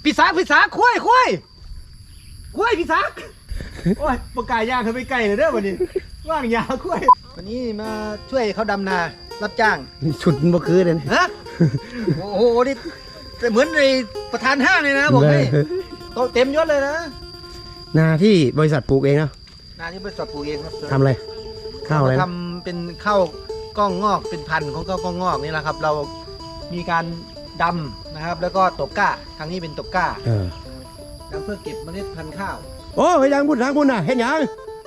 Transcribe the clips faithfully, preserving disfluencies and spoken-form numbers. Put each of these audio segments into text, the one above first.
พี่ซักพี่ซักคุ้ยคุ้ยคุ้ยพี่ซักโอ้ยปากกายย่างเขาไปไกลเลยเด้อวันนี้ว่างยาวคุ้ยวันนี้มาช่วยเขาดำนารับจ้างชุดบ่คือเลยฮะโอ้โหนี่เหมือนในประธานห้างเลยนะบอกให้โตเต็มยศเลยนะนาที่บริษัทปลูกเองเนาะนาที่บริษัทปลูกเองครับทำอะไรข้าวอะไรทำเป็นข้าวกล้องงอกเป็นพันธุ์ของข้าวกล้องงอกนี่แหละครับเรามีการดำนะครับแล้วก็ตกก้าทางนี้เป็นตกก้าดำเพื่อเก็บเมล็ดพันธุ์ข้าวโอ้ยยังพูดทางพูดน่ะเห็นยัง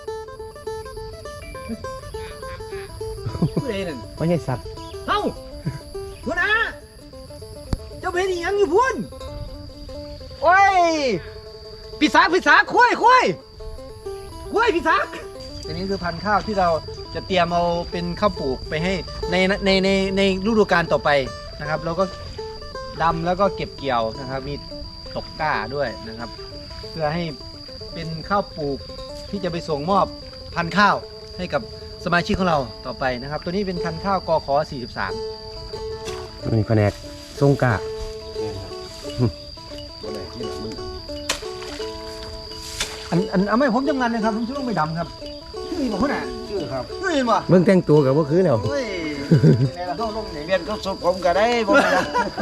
พูดเองนั่นไม่ใช่สัตว์เอ้าพูดนะเจ้าเป็นยังอยู่พุ่นโอ้ยพี่ซักพี่ซักคุ้ยคุ้ยคุ้ยพี่ซักอันนี้คือพันธุ์ข้าวที่เราจะเตรียมเอาเป็นข้าวปลูกไปให้ในในในในฤดูกาลต่อไปนะครับเราก็ดำแล้วก็เก็บเกี่ยวนะครับมีตกก้าด้วยนะครับเพื่อให้เป็นข้าวปลูกที่จะไปส่งมอบพันธุ์ข้าวให้กับสมาชิกของเราต่อไปนะครับตัวนี้เป็นพันธุ์ข้าวกขสี่สิบสามนี่แผนกทรงกะอันอันเอาไม่ผมจำงานนะครับผมชื่อไม่ดำครับชื่อบอกเขาหน่ะชื่อครับชื่อเห็นป่ะเบื้องแต่งตัวกับว่าคือแล้วในเราเข้าลงไหนเปลี่ยนก็สุดผมก็ได้ผมนะ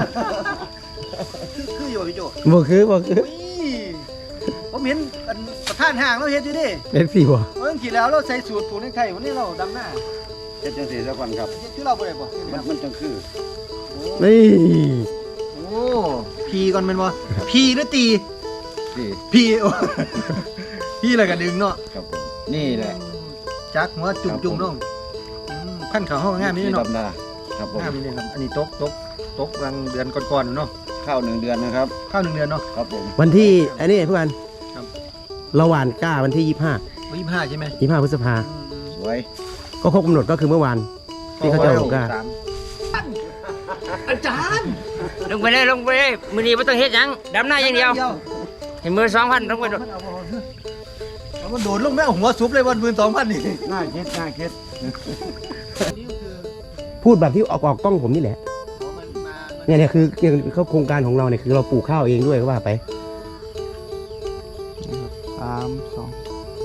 คืออยู่พี่โจบ่คือบ่คือผมเห็นประธานห่างเราเห็นอยู่ดิเห็นสิบ่เมื่อกี้แล้วเราใส่สูตรผูกในไข่วันนี้เราดำหน้าเจ็ดจังสี่สักวันครับคือเราบ่ได้บ่มันมันจังคือนี่โอ้พีก่อนเป็นบ่พีหรือตีพีพีพีอะไรกันดึงเนาะครับผมนี่แหละจักหัวจุ่มจุ่มน้องขั้นเขาห้องงามนี่เนาะครับผมงามนี่ครับอันนี้ตกตกตกกลางเดือนก่อนๆเนาะข้าวหนึ่งเดือนนะครับข้าวหนึ่งเดือนเนาะครับผมวันที่อันนี้เพื่อนเราหว่านกล้าวันที่ยี่สิบห้ายี่สิบห้าใช่ไหมยี่สิบห้าพฤษภาสวยก็ครบกำหนดก็คือเมื่อวานที่เขาจะลงกล้าอาจารย์ลงไปเลยลงไปเลยมือนี้ไม่ต้องเฮ็ดยังดำหน้าอย่างเดียวเห็นมือสองพันลงไปโดดมันโดดลงไม่เอาหัวซุปเลยวันมือสองพันนี่น่าคิดน่าคิดพูดแบบที่ออกออกกล้องผมนี่แหละเนี่ยเนี่ยคือเขาโครงการของเราเนี่ยคือเราปลูกข้าวเองด้วยก็ว่าไปสามสอง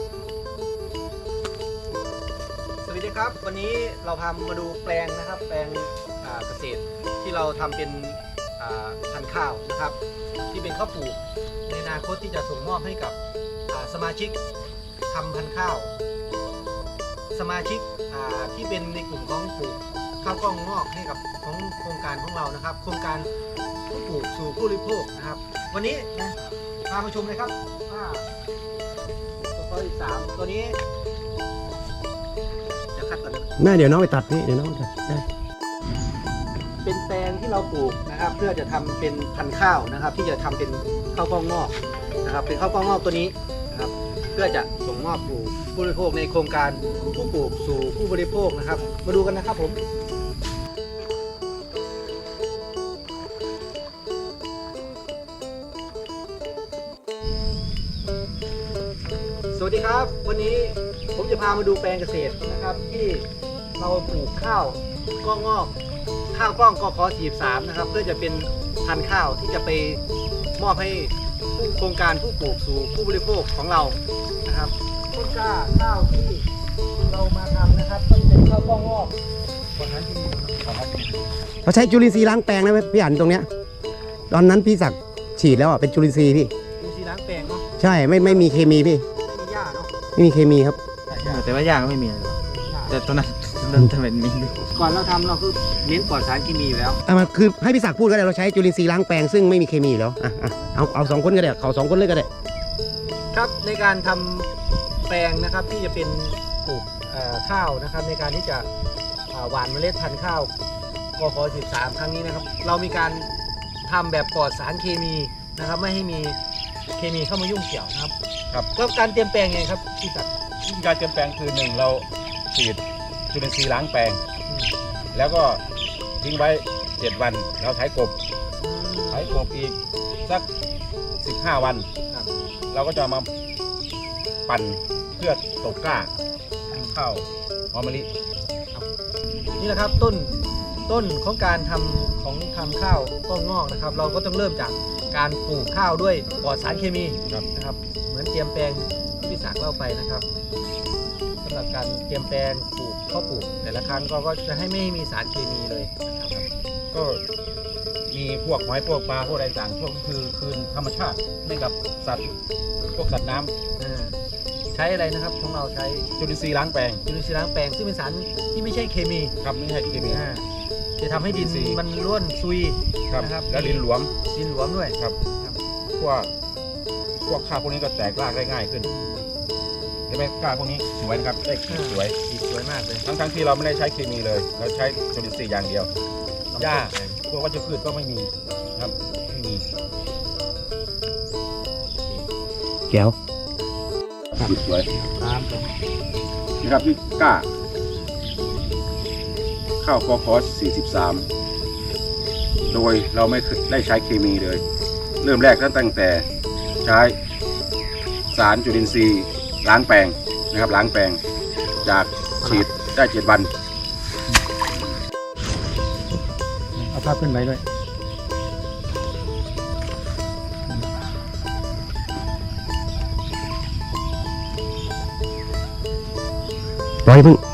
สวัสดีครับวันนี้เราพามาดูแปลงนะครับแปลงเกษตรที่เราทำเป็นพันธุ์ข้าวนะครับที่เป็นข้าวปลูกในอนาคตที่จะส่งมอบให้กับสมาชิกทำพันธุ์ข้าวสมาชิกที่เป็นในกลุ่มของปลูกข้าวกล้องงอกให้กับของโครงการของเรานะครับโครงการผู้ปลูกสู่ผู้บริโภคนะครับวันนี้นะพามาชมเลยครับว่าตัวข้อที่สามตัวนี้จะคัดก่อนนะแม่เดี๋ยวน้องไปตัดนี่เดี๋ยวน้องตัดได้เป็นแปลงที่เราปลูกนะครับเพื่อจะทำเป็นพันธุ์ข้าวนะครับที่จะทำเป็นข้าวกล้องงอกนะครับเป็นข้าวกล้องงอกตัวนี้นะครับเพื่อจะส่งมอบสู่ผู้บริโภคในโครงการผู้ปลูกสู่ผู้บริโภคนะครับมาดูกันนะครับผมสวัสดีครับวันนี้ผมจะพามาดูแปลงเกษตรนะครับที่เราปลูกข้าวกล้องงอกข้าวกล้องกขสี่สิบสามนะครับเพื่อจะเป็นพันธุ์ข้าวที่จะไปมอบให้ผู้โครงการผู้ปลูกสู่ผู้บริโภคของเรานะครับต้นกล้าข้าวที่เรามาทำนะครับที่เป็นข้าวกล้องงอกก่อนนั้นที่เราใช้จุลินทรีย์ล้างแปลงนะพี่อันตรงเนี้ยตอนนั้นพี่ศักดิ์ฉีดแล้วอ่ะเป็นจุลินทรีย์พี่จุลินทรีย์ล้างแปลงเนาะใช่ไม่ไม่มีเคมีพี่ไม่มีหญ้าเนาะไม่มีเคมีครับแต่ว่าหญ้าก็ไม่มีแต่ตอนนั้นนั่นทำเป็นมีก่อนเราทำเราคือเน้นปลอดสารเคมีอยู่แล้วอ่ะมันคือให้พี่ศักดิ์พูดก็ได้เราใช้จุลินทรีย์ล้างแปลงซึ่งไม่มีเคมีอยู่แล้วอ่ะอ่ะเอาเอาสองคนก็ได้เขาสองคนเลยก็ได้ครับในการทำแปลงนะครับที่จะเป็นปลูกข้าวนะครับในการที่จะหว่านเมล็ดพันธุ์ข้าวกขสิบสามครั้งนี้นะครับเรามีการทำแบบปลอดสารเคมีนะครับไม่ให้มีเคมีเข้ามายุ่งเกี่ยวนะครับครับแล้วการเตรียมแปลงไงครับพี่ศักดิ์การเตรียมแปลงคือหนึ่งเราฉีดจุลินทรีย์ล้างแปลงแล้วก็ทิ้งไว้เจ็ดวันเราไถกบไถกบอีกสักสิบห้าวันเราก็จะมาปั่นเพื่อตกกล้าข้าวหอมมะลินี่แหละครับต้นต้นของการทำของทำข้าวก็งอกนะครับ เราก็ต้องเริ่มจากการปลูกข้าวด้วยปลอดสารเคมีครับนะครับ เหมือนเตรียมแปลงที่พี่ศักดิ์เล่าไปนะครับสำหรับการเตรียมแปลงปลูกข้าวปลูก แต่ละครั้งก็ก็จะให้ไม่มีสารเคมีเลยนะครับก็มีพวกหอยพวกปลาพวกอะไรต่างพวกคือคืนธรรมชาติให้กับสัตว์พวกสัตว์น้ำอ่าใช้อะไรนะครับของเราใช้จุลินทรีย์ล้างแปลงจุลินทรีย์ล้างแปลงซึ่งเป็นสารที่ไม่ใช่เคมีครับไม่ใช่เคมีอ่าจะทำให้ดินจุลินทรีย์มันร่วนซุยครับนะครับแล้วดินหลวมดินหลวมด้วยครับครับพวกพวกข้าวพวกนี้ก็แตกรากได้ง่ายขึ้นเห็นไหมข้าวพวกนี้สวยนะครับได้ขีดสวยสีสวยมากเลยทั้งทั้งๆที่เราไม่ได้ใช้เคมีเลย เราใช้จุลินทรีย์อย่างเดียวหญ้าพวกวัชพืชก็ไม่มีครับไม่มีแก้วขีดสวยนะครับที่กล้าข้าวคอคอสสี่สิบสามโดยเราไม่ได้ใช้เคมีเลย เริ่มแรกตั้งแต่ใช้สารจุลินทรีย์ล้างแปลงนะครับล้างแปลงจากฉีดได้เจ็ดวันเอาภาพขึ้นไปด้วยร้อยพึ่ง